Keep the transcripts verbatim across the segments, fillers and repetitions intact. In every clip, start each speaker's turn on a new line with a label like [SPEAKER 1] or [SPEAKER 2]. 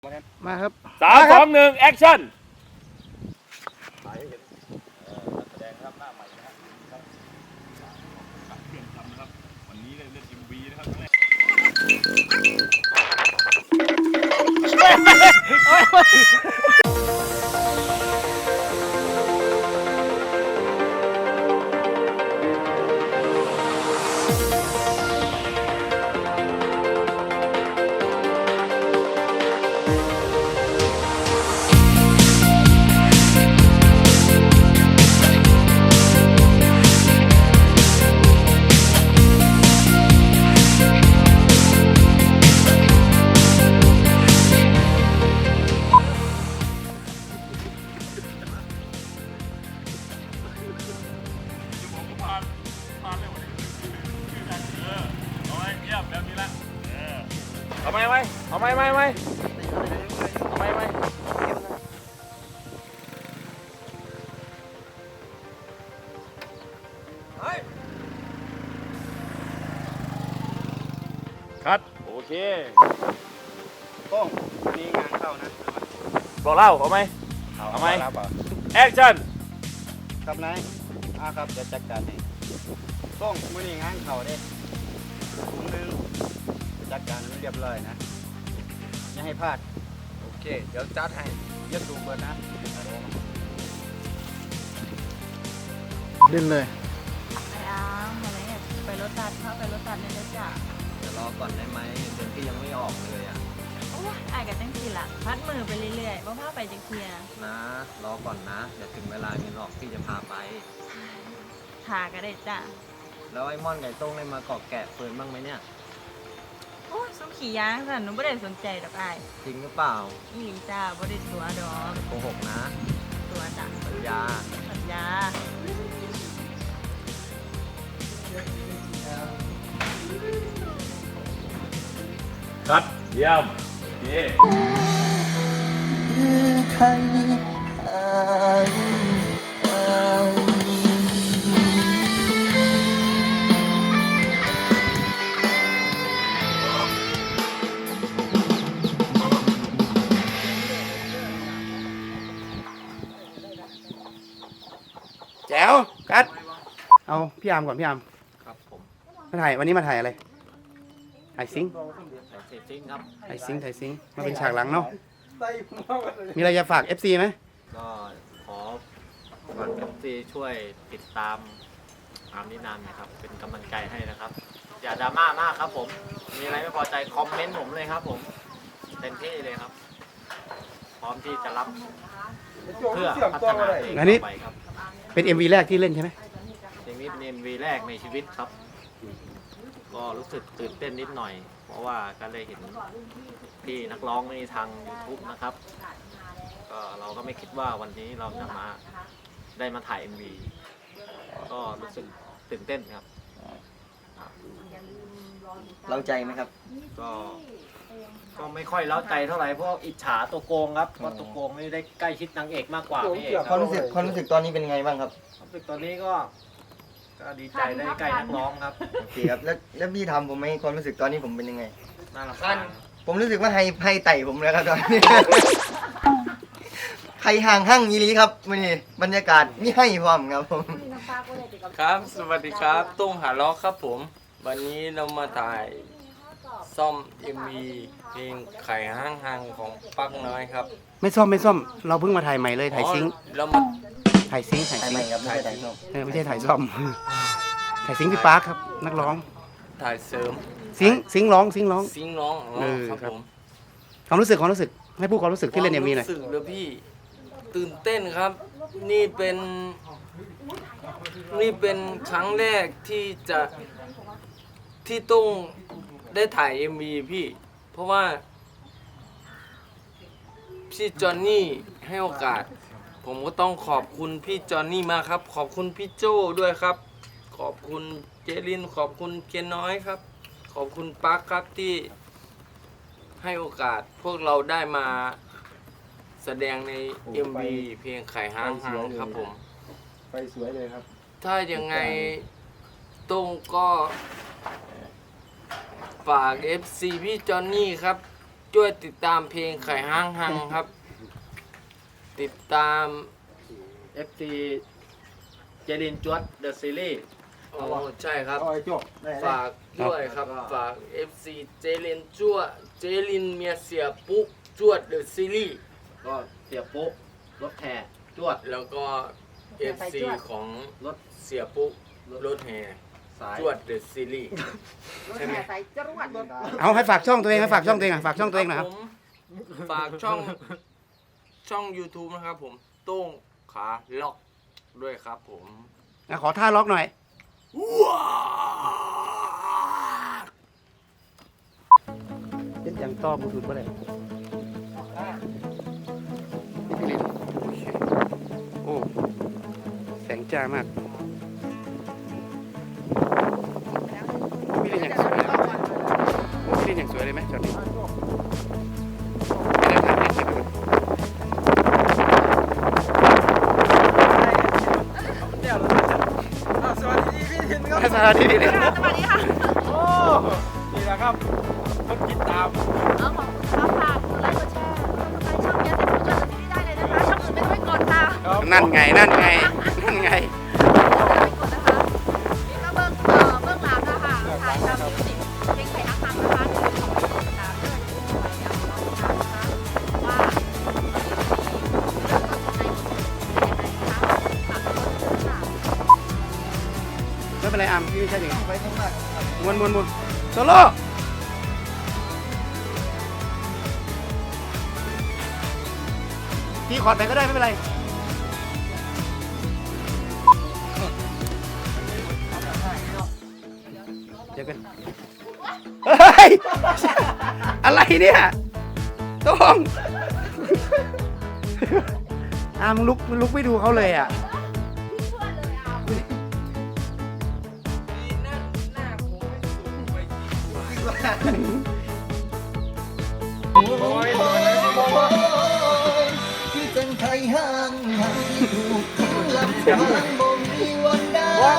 [SPEAKER 1] มาครับ
[SPEAKER 2] สามสองหนึ่งแอคชั่นแสดงครับหน้าใหม่นะครับเปลี่ยนคำนะครับวันนี้เล่นเอ็มวีนะครับเอาไหมไหมเอาไหมไหมไหมเอาไหมไหมคัดโอเค
[SPEAKER 1] โป้งมีงานเข้านะ
[SPEAKER 2] บอกเล่าเอาไหมเอาไหมแอคชั่น
[SPEAKER 1] ครับนายอ่าครับจะจัดการให้โป้งมือนี้งานเข้าเด้ถุงนึงจัดการให้เรียบร้อยนะอย่าให้พลาดโอเคเดี๋ยวจัดให้เยอะสูงเบิร์นะเล่นเลย
[SPEAKER 3] ไปอ้ามอะไรเนี่ยไปรถตัดเข้าไปรถตัดเนี่ยเลยจ้ะ
[SPEAKER 4] จะรอก่อนได้ไหมเดือนที่ยังไม่ออกเลยอ่ะ
[SPEAKER 3] โอ้ยอายกับจังสีละพัดมือไปเรื่อยๆว่าพาไปจังเทีย
[SPEAKER 4] นะรอก่อนนะเดี๋ยวถึงเวลาเงินออกพี่จะพาไป
[SPEAKER 3] หาก็ได้จ้ะ
[SPEAKER 4] แล้วไอ้ม่อนไก่ต้งได้มาเกาะแกะเฟิร์นบ้างไหมเนี่ย
[SPEAKER 3] โอ้ยซุ้มขี่ยางสันหนูไม่ได้สนใจดอกอาย
[SPEAKER 4] จริงหรือเปล่า
[SPEAKER 3] อีหลีจ้าไม่ได้ตัวดอก
[SPEAKER 4] โกหกนะ
[SPEAKER 3] ตัวจ้ะ
[SPEAKER 4] สัญญา
[SPEAKER 3] สัญญา
[SPEAKER 2] คัดเยี่ยมเย่
[SPEAKER 1] แจ๋วกัดเอาพี่อาร์มก่อนพี่อาร์ม
[SPEAKER 4] ครับผม
[SPEAKER 1] มาถ่ายวันนี้มาถ่ายอะไรถ่ายซิงค์
[SPEAKER 4] ถ่ายซิงครับ
[SPEAKER 1] ถ่ายซิงค์ถ่ายซิงค์มาเป็นฉากหลังเนาะมีอะไรจะฝาก เอฟ ซี ไหม
[SPEAKER 4] ก็ขอฝาก เอฟ ซี ช่วยติดตามอาร์มนินานนะครับเป็นกำลังใจให้นะครับอย่าดราม่ามากครับผมมีอะไรไม่พอใจคอมเมนต์ผมเลยครับผมเต็มที่เลยครับพร้อมที่จะรับเพื่อพัฒนาเองต่อไปครับ
[SPEAKER 1] เป็น เอ็ม วี แรกที่เล่นใช่ไหม
[SPEAKER 4] เพลงนี้เป็น เอ็ม วี แรกในชีวิตครับก็รู้สึกตื่นเต้นนิดหน่อยเพราะว่าก็เลยเห็นพี่นักร้องในทาง ยูทูบ นะครับก็เราก็ไม่คิดว่าวันนี้เราจะมาได้มาถ่าย เอ็ม วี ก็รู้สึกตื่นเต้นครับ
[SPEAKER 1] เล้าใจไหมครับ
[SPEAKER 4] ก็ก็ไม่ค่อยเล้าใจเท่าไหร่เพราะอิจฉาตัวโกงครับเพราะตัวโกงนี่ได้ใกล้ชิดนางเอกมากกว่าพี่เอก
[SPEAKER 1] ความรู้สึกความรู้สึกตอนนี้เป็นไงบ้างครับ
[SPEAKER 4] ความรู้สึกตอนนี้ก็ก็ดีใจได้ใกล้นักร้องครับ
[SPEAKER 1] โอเคครับแล้วแล้วพี่ทำผมไหมความรู้สึกตอนนี้ผมเป็นยังไง
[SPEAKER 4] น่ารำคาญ
[SPEAKER 1] ผมรู้สึกว่าให้ให้ไต่ผมแล้วครับตอนนี้ใครห่างหั่งยีรีครับวันนี้บรรยากาศนี่ให้พร้อมครับผม
[SPEAKER 5] ครับสวัสดีครับตุ้งหาล้อครับผมวันนี้เรามาถ่ายซ่อม เอ็ม วี เพลงไข่ห้างห้างของปักน้อยครับ
[SPEAKER 1] ไม่ซ่อมไม่ซ่อมเราเพิ่งมาถ่ายใหม่เลยถ่ายซิงค์
[SPEAKER 5] เรามา
[SPEAKER 1] ถ่ายซิงค์ถ่ายซิงค์
[SPEAKER 4] ครับไม่ใช่ถ่ายซ่อม
[SPEAKER 1] ไม่ใช่ถ่ายซ่อมถ่ายซิงค์พี่ปาร์คครับนักร้อง
[SPEAKER 5] ถ่ายเสริม
[SPEAKER 1] ซิงค์ซิงค์ร้องซิงค์ร้อง
[SPEAKER 5] ซิงค์ร้องอ๋อครับผม
[SPEAKER 1] ความรู้สึกความรู้สึกให้พูดความรู้สึกที่เล่น เอ็ม วี หน่อย
[SPEAKER 5] รู้สึกเลยพี่ตื่นเต้นครับนี่เป็นนี่เป็นครั้งแรกที่จะที่ต้องได้ถ่าย เอ็ม วี พี่เพราะว่าพี่จอนนี่ให้โอกาสผมก็ต้องขอบคุณพี่จอนนี่มากครับขอบคุณพี่โจ้ด้วยครับขอบคุณเจลินขอบคุณเกียนน้อยครับขอบคุณปักครับที่ให้โอกาสพวกเราได้มาแสดงใน เอ็ม วี เพลงไข่ห้างหางครับผม
[SPEAKER 1] ไปสวยเลยครับ
[SPEAKER 5] ถ้ายังไงตุ้งก็ฝาก เอฟ ซี พี่จอนนี่ครับช่วยติดตามเพลงไข่ห้างหังครับ ติดตาม
[SPEAKER 4] เอฟ ซี เจลินจวดเดอะซีรีส์
[SPEAKER 5] โอ้ใช่ครับ
[SPEAKER 1] เอาไอ้จบได้
[SPEAKER 5] ฝากด้วยครับ ฝาก เอฟ ซี เจลินจั่วเจลินเมียเสียปุ๊กจวดเดอะซีรีส์
[SPEAKER 4] ก็เสียปุ๊รถแห่จวด
[SPEAKER 5] แล้วก็ เอฟ ซี ของ
[SPEAKER 4] รถ
[SPEAKER 5] เสียปุ๊กรถแห่
[SPEAKER 4] สาย
[SPEAKER 5] จวดเดอะซีรีส์ ใช่ไหม
[SPEAKER 1] เอาให้ฝากช่องตัวเองให้ฝากช่องตัวเองอ่ะฝากช่องตัวเองหน่อยครับ
[SPEAKER 5] ผมฝากช่องช่อง YouTube นะครับผมโต้งขาล็อกด้วยครับผม
[SPEAKER 1] อ่ะขอท่าล็อกหน่อยเป็นอย่างต้อบูทูธบ่ได้พี่ลินโอ้แสงจ้ามากพี่ลินอย่างสวยเลยโอ้พี่ลินอย่างสวยเลยไหมช็อตนี้ไม่ได้ถ่ายเก็บไปก่อนสวัสดีพี่ลิน
[SPEAKER 3] สวัสดีค่ะ
[SPEAKER 2] โอ้นี่แหละครับคนคิดตาม
[SPEAKER 3] เอาของคุณค่ะฝากกดไลค์กดแชร์กดไลค์ช่องเนี้ยจะดูจนที่ได้เลยนะคะช่องอื่นไม่ต้องไปกดค่ะ
[SPEAKER 2] ครับ
[SPEAKER 1] นั่นไงนั่นไงนั่นไง
[SPEAKER 3] ไปกดนะคะนี่ก็เบิ้งเอ่อเบิ้งหลังนะคะถ่ายทำมิวสิกเพลงไข่นักทำนะคะที่ของพี่ติดตามด้วยไปเดี๋ยวเราติดตามนะคะว่าเรื่องต้นใจเป็นยังไงนะคะฝากกดไลค์ค่ะ
[SPEAKER 1] ไม่เป็นไรอามพี่ไม่ใช่อย่างนี้มวนมวนมวนโซโล่พี่ขอดไปก็ได้ไม่เป็นไรเดี๋ยวกันเฮ้ยอะไรเนี่ยต้องอามงลุกมึงลุกไม่ดูเขาเลยอ่ะ
[SPEAKER 6] ที่เป็นไทยห้างหันถูกทิ้งลำพังบ่มีวันได้
[SPEAKER 1] เอา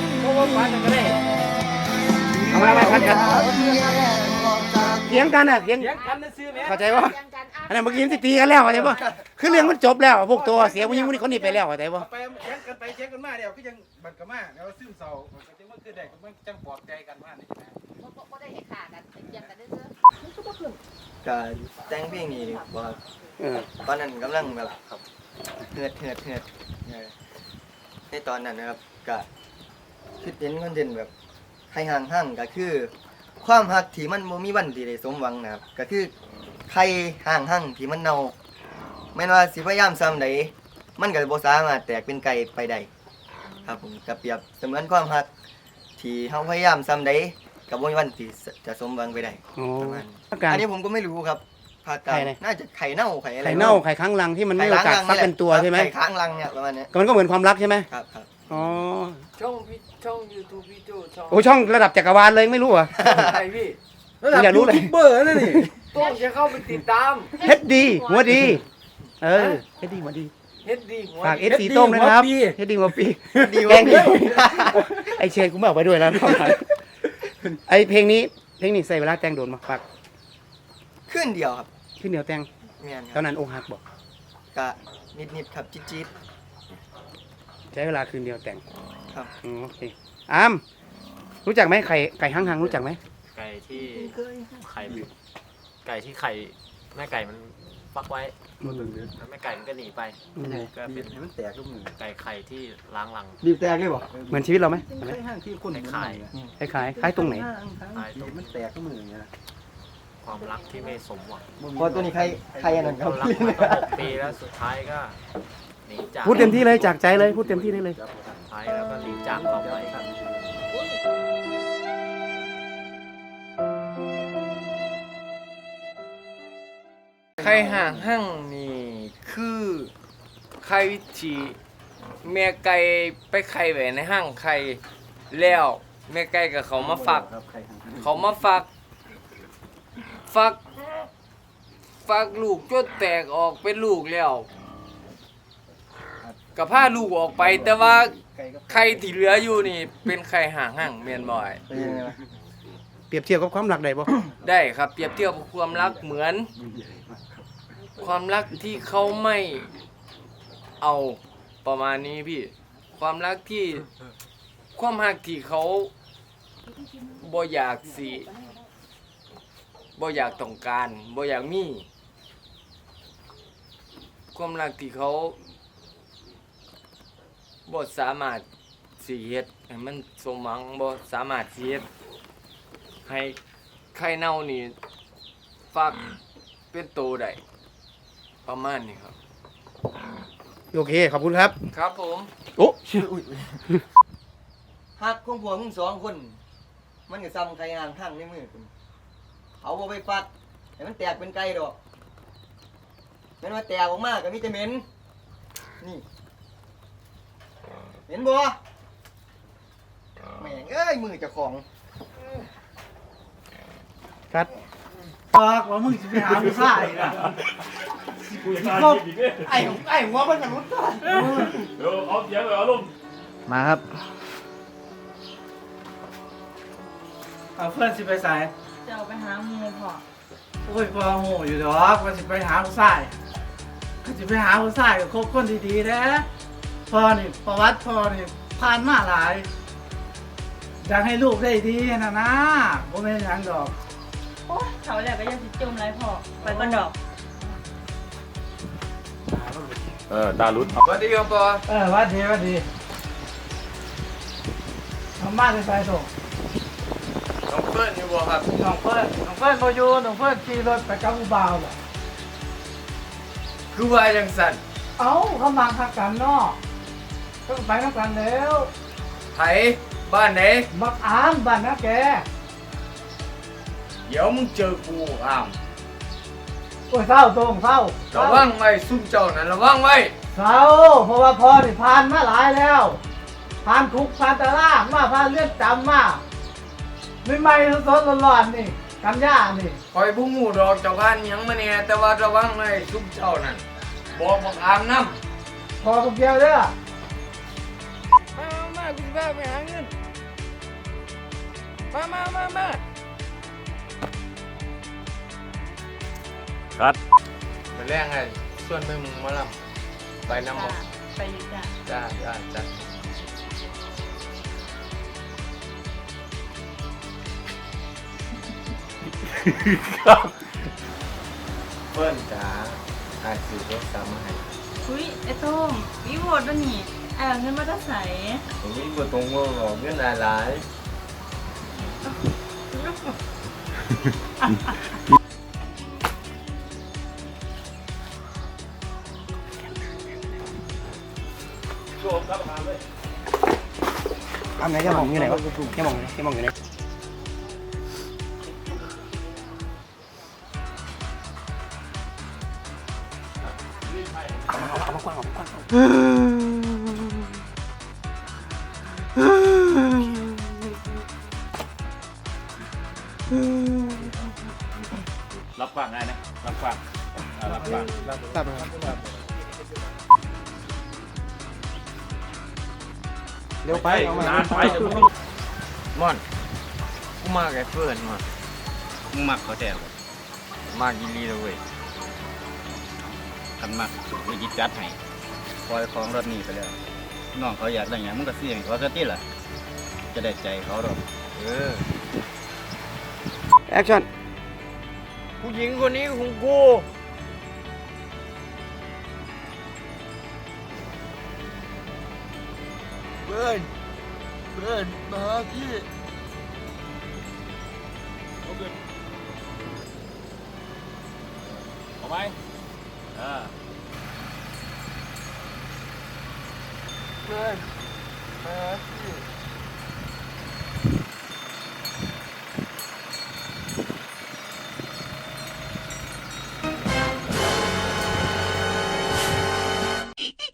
[SPEAKER 1] มามาพันกันเถียงกันอ่ะเถียงเข้าใจว่าอันนั้นเมื่อกี้มันสิตีกันแล้วเข้าใจป่ะคือเรื่องมันจบแล้วพวกตัวเสียผู้หญิงคนนี้คนนี้ไปแล้วเข้าใจป่ะ
[SPEAKER 2] ไปเช็คกันไปเช็คกันมาเดี๋ยวก็ยังบัดกันมาเดี๋ยวซึมเศร้ามันก็จังว่าคือได้มันจังปลอบใจกันว่านี่นะ
[SPEAKER 3] ก็ได้เห็นขากันเตียงกันได้เสื้อ
[SPEAKER 6] ก็แต่งเพลงนี้ว่า
[SPEAKER 1] เออ
[SPEAKER 6] ตอนนั้นกำลังแบบเหือดเหือดเหือดเออในตอนนั้นนะครับก็คิดเห็นคอนเทนต์แบบใครห่างห่างก็คือ ความหักที่มันบ่มีวันที่ได้สมหวังนะครับก็คือใครห่างห่างที่มันเน่าแม้นว่าสิพยายามซ้ำใดมันก็บ่สามารถแตกเป็นไก่ไปได้ครับผมก็เปรียบเสมือนความหักที่เฮาพยายามซ้ำใดก็บ่มีวันที่จะสมหวังไปได้
[SPEAKER 1] โอ้
[SPEAKER 6] ประมาณ
[SPEAKER 1] อาการ
[SPEAKER 6] อันนี้ผมก็ไม่รู้ครับภาคกลาง
[SPEAKER 1] ไข่อะไร
[SPEAKER 6] น่าจะไข่เน่าไข่อะไร
[SPEAKER 1] ไข่เน่าไข่ค้างรังที่มันไม่มีโอกาสฟักเป็นตัวใช่ไหม
[SPEAKER 6] ไข่ค้างรังเนี่ยประมาณเนี้ย
[SPEAKER 1] ก็มันก็เหมือนความรักใช่ไหม
[SPEAKER 6] ครับครับ
[SPEAKER 1] อ๋อ
[SPEAKER 5] ช่องพี่ช่อง YouTube พี่โจช่อง
[SPEAKER 1] โอ้ช่องระดับจักรวาลเลยไม่รู้เหรอ่ะ
[SPEAKER 5] ใครพี่
[SPEAKER 1] อยากรู้เลย
[SPEAKER 2] เบอร์นั่นนี่
[SPEAKER 5] โต้งจะเข้าไปติดตาม
[SPEAKER 1] เฮ็ดดีหัวดี เออเฮ็ดดีหัวดี
[SPEAKER 5] เฮ็ดดีหัว
[SPEAKER 1] ฝากเอ
[SPEAKER 5] ดี
[SPEAKER 1] ฟซีโต้งด้วยนะครับเฮ็ดดีหัวปี
[SPEAKER 6] ดี
[SPEAKER 1] แก
[SPEAKER 6] วะ
[SPEAKER 1] งดีไอเชนกูไม่เอาไปด้วยแล้วไอเพลงนี้เพลงนี้ใส่เวลาแต่งโดนมาฝาก
[SPEAKER 6] ขึ้นเดียวครับ
[SPEAKER 1] ขึ้นเหนียวแต่ง
[SPEAKER 6] เมียนค
[SPEAKER 1] ตอ
[SPEAKER 6] รั
[SPEAKER 1] น
[SPEAKER 6] บ
[SPEAKER 1] นั้นอกหักบอก
[SPEAKER 6] กะนิดนิดๆครับจิ๊ดจิ๊ด
[SPEAKER 1] ใช้เวลาคืนเดียวแต่ง
[SPEAKER 6] ครับ
[SPEAKER 1] อ๋อโอเคอามรู้จักไหมไข่ไก่ห้างหังรู้จักไหม
[SPEAKER 4] ไก่ที่ไข่ไก่ที่ไข่แม่ไก่มันฟักไว้แล้วแม่ไก่มันก็หนีไป
[SPEAKER 1] อืม
[SPEAKER 4] ก็เป็น
[SPEAKER 2] มันแตกลูกมือ
[SPEAKER 4] ไก่ไข่ที่ล้างรัง
[SPEAKER 2] รีบแตกเลยบ่
[SPEAKER 1] เหมือนชีวิตเราไหม
[SPEAKER 2] มันคล้ายห้างที่คน
[SPEAKER 4] ไข่
[SPEAKER 1] คล้ายคล้ายคล้ายตรงไหน
[SPEAKER 2] ไข่ตรงมันแตกลูกมืออย่างเงี้ย
[SPEAKER 4] ความรักที่ไม่สมหวัง
[SPEAKER 6] พอตัวนี้ใครใครอันนั้นครั
[SPEAKER 4] เรา
[SPEAKER 6] บ
[SPEAKER 4] รักมาตั้งหกปีแล้วสุดท้ายก็หนีจาก
[SPEAKER 1] พูดเต็มที่เลยจากใจเลยพูดเต็มที่ได้เลย
[SPEAKER 4] สุดท้ายแล้วก็หนีจากเราไปครับ
[SPEAKER 5] ใครห่างหั่งนี่คือใครที่แม่ไก่ไปไข่ไว้ในห้างไข่แล้วแม่ไก่กับเขามาฝัก
[SPEAKER 2] ครับไข่ห้าง
[SPEAKER 5] เขามาฝัก ฝัก ฝักลูกจนแตกออกเป็นลูกแล้วกับผ้าลูกออกไปแต่ว่า
[SPEAKER 2] ไก่ก็
[SPEAKER 5] ไข่ที่เหลืออยู่นี่เป็นไข่ห่างหั่งเมียนบ่อย
[SPEAKER 6] เป็นยังไงวะ
[SPEAKER 7] เปรียบเทียบกับความรักได้บ่
[SPEAKER 5] ได้ครับเปรียบเทียบกับความรักเหมือน ความรักที่เขาไม่เอาประมาณนี้พี่ ความรักที่ความรักที่เขาบ่อยากสิบ่อยากต้องการบ่อยากมีความรักที่เขาบ่สามารถสิเฮ็ดให้มันสมหวังบ่สามารถสิเฮ็ดให้ไข่เน่านี่ฟักเป็นโตได้ประมาณนี้ครับ
[SPEAKER 7] โอเคขอบคุณครับ
[SPEAKER 5] ครับผม
[SPEAKER 7] โอ้
[SPEAKER 6] ฮักของพวกมึงสองคน มันก็ซ้ำไข่ห่างทั้งในมือคุณเอาบ่ไปฟัดให้มันแตกเป็นไก่ดอกแม่นว่าแตกออกมาก็มีแต่เหม็นนี่เห็นบ่แม่งเอ้ยมือเจ้าของ
[SPEAKER 7] ครับ
[SPEAKER 8] บอกว่ามึงจะไปหาผู้ชายนะ
[SPEAKER 2] กูจะตายอีกเนี่ย
[SPEAKER 8] ไอ้ไอ้หัวมันมนุษย์ตาย
[SPEAKER 2] เดี๋ยวเอาเสียงเลยเอาลง
[SPEAKER 1] มาครับ
[SPEAKER 8] เอาเพื่อนสิไปใส่
[SPEAKER 3] จะเอาไปหาหมูพ่อ
[SPEAKER 8] โอ้ยพอโหอยู่ดอกว่าสิไปหาผู้ชายก็สิไปหาผู้ชายก็คบคนดีๆนะพ่อนี่ประวัติพ่อนี่ผ่านมาหลายอยากให้ลูกได้ดีนะนะผมไม่นหยังดอก
[SPEAKER 3] โอ้ยเขาแหละก็ยังสิจมไรพ่อไปก่อนดอก
[SPEAKER 2] เออตาลุ้น
[SPEAKER 5] สวัสดีครับปอ
[SPEAKER 8] เออหวัดดีหวัดดีทำบ้านไปใส่ส่ง
[SPEAKER 5] น้องเฟิร์นอยู่บ่ครับ
[SPEAKER 8] น้องเพื่อนน้องเพื่อนโมยูน้องเพื่อนขี่รถไปกับผู้บ่าวบ่
[SPEAKER 5] คือว่าจังสัน
[SPEAKER 8] เอ้าเขามาทักกันเนาะก็ไปนักกันแล้ว
[SPEAKER 5] ไผบ้านไหน
[SPEAKER 8] มักอ่านบ้านนะแก
[SPEAKER 5] เดี๋ยวมึงเจอกูอ้าม
[SPEAKER 8] โอ้ยเศร้าตรงเศร้า
[SPEAKER 5] ระวังไว้ซุ่มเจ้านั่นระวังไว้
[SPEAKER 8] เศร้าเพราะว่าพ่อนี่ผ่านมาหลายแล้วผ่านคุกผ่านตารางมาผ่านเลือดจำมาไม่ไม่ๆสดๆร้อนๆนี่กันย่านี่
[SPEAKER 5] คอยผู้งูดอกเจ้าบ้านหยังมาเนี่ยแต่ว่าระวังไว้ซุ่มเจ้านั่นบอกบอกอามน้ำ
[SPEAKER 8] พอพวกเดียวเด้อ
[SPEAKER 5] มามากูจะไปหาเงิน มามามามา
[SPEAKER 2] คัด
[SPEAKER 5] ไปแรกไงส่วนไปมึงมาลำไปน้ำหมก
[SPEAKER 3] ไปอยู่จ้ะ
[SPEAKER 5] จ้าจ้าจ้าเปิ้ลจ๋าอาจสื่อรถตามมาให้
[SPEAKER 3] อุ้ยไอ้โต้งวิโวดวะนี่ไอ้เอาเงินมาจะใส่
[SPEAKER 5] ตรงนี้กูตรงว่าหลอกเงินหลาย
[SPEAKER 2] โชว์ครับมาเลย
[SPEAKER 7] ทำไหนจะมองอยู่ไหนวะจะมองจะมองอยู่ไหน
[SPEAKER 2] รับฟังได้นะรับฟังอ่ารับฟัง
[SPEAKER 7] ตัดไปครับเร็วไปเอามาน
[SPEAKER 2] านไปเดี๋ยวมึง
[SPEAKER 5] ๆม่อนกูมากับเพื่อนมา
[SPEAKER 1] มึงมักเขาแต่บ่
[SPEAKER 5] มากินลีเลยเว้ย
[SPEAKER 1] คันมักวิจิจัดให้ปล่อยของรถนี้ไปแล้วน้องเขาอยากได้หยังมึงก็ซื้อให้เขาซะติล่ะ จะได้ใจเขาดอก
[SPEAKER 5] เออ
[SPEAKER 7] แอคชั่น
[SPEAKER 5] ผู้หญิงคนนี้ของกู
[SPEAKER 7] เบิร์นเบิร์นมาพี่
[SPEAKER 2] เอาขึ้นเอาไหมอ่า
[SPEAKER 7] เบิร์นมาพี่